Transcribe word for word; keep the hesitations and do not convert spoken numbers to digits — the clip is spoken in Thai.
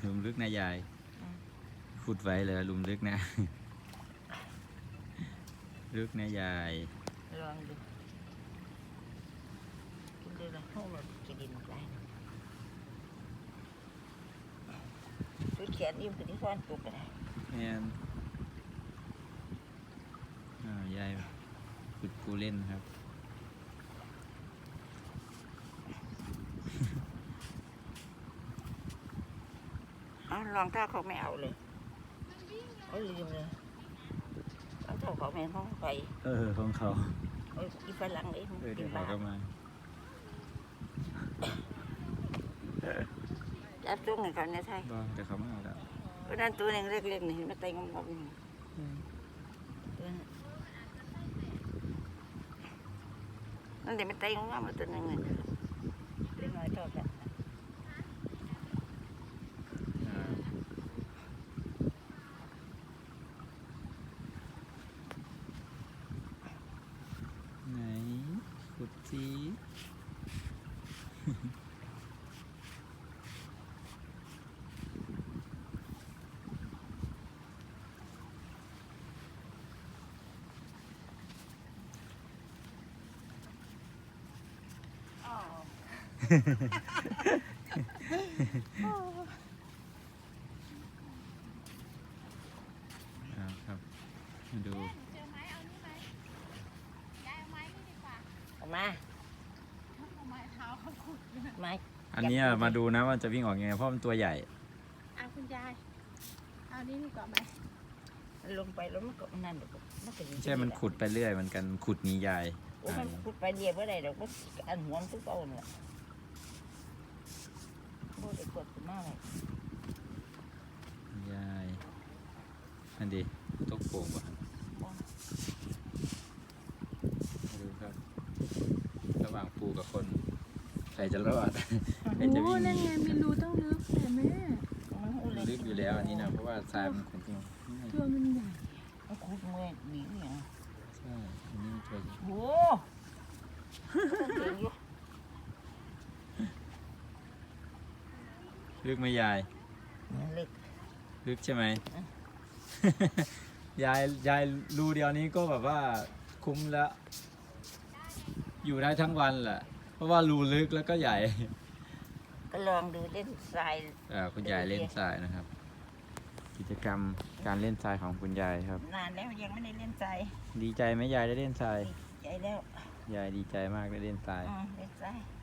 ลุมลึกนะยายขุดไว้เลยลุมลึกนะลึกนะยายลองดูกินดูละห้องเราจะดินได้ชุดแขนยิ้มตัวที่ซ่อนตุกอะไรเนี่ยอ่ายายขุดปูเล่นครับอ๋อลองเท้าเขาไม่เอาเลยเขาลืมเลยลองเท้าเขาไม่ห้องไปเออของเขาเอออีฝรั่งเลยเออเดี๋ยวเขาก็มาจับตัวเงินเขาเนี่ยใช่บ้าเดี๋ยวเขามาเอาแล้วเพราะนั้นตัวนึงเล็กๆนี่มันเต็งงงๆนั่นเดี๋ยวมันเต็งงงๆตัวนึงเลยเล็กน้อยเท่ากันไหนขุดจีเอาครับมาดูเจอไม้เอานี่ไหมยายเอาไม้นี่ดีกว่าเอามาเอาไม้เท้าเขาขุดไม้อันนี้มาดูนะว่าจะวิ่งออกยังไงเพราะมันตัวใหญ่เอาคุณยายเอานี่ดีกว่าไหมลงไปแล้วมันก็นั่นเดี๋ยวมันก็ใช่มันขุดไปเรื่อยมันกันขุดหนียายโอ้มันขุดไปเดียวเมื่อไรเดี๋ยวก็อันหัวมันทุกต้นเลยโบ้ได้กดมากเลยยายอันดีตกโป่งป่ะดูครับระหว่างปูกับคนใครจะรอดใครจะวิ่งนั่นไงมีรูต้องลึกแต่แม่ลึกอยู่แล้วอันนี้นะเพราะว่าทรายมันขุ่นจริงตัวมันใหญ่มันขุดเมื่อยหนีเนี่ยใช่อันนี้ตัวโอ้ลึกไหมยายลึกลึกใช่ไหมยายยายรูเดียวนี้ก็แบบว่าคุ้มแล้วอยู่ได้ทั้งวันแหละเพราะว่ารูลึกแล้วก็ใหญ่ก็ลองดูเล่นทรายอ่าคุณยายเล่นทรายนะครับ กิจกรรมการเล่นทรายของคุณยายครับนานแล้วยังไม่ได้เล่นทรายดีใจไหมยายได้เล่นทรายดีใจแล้วยายดีใจมากได้เล่นทรายเล่นทราย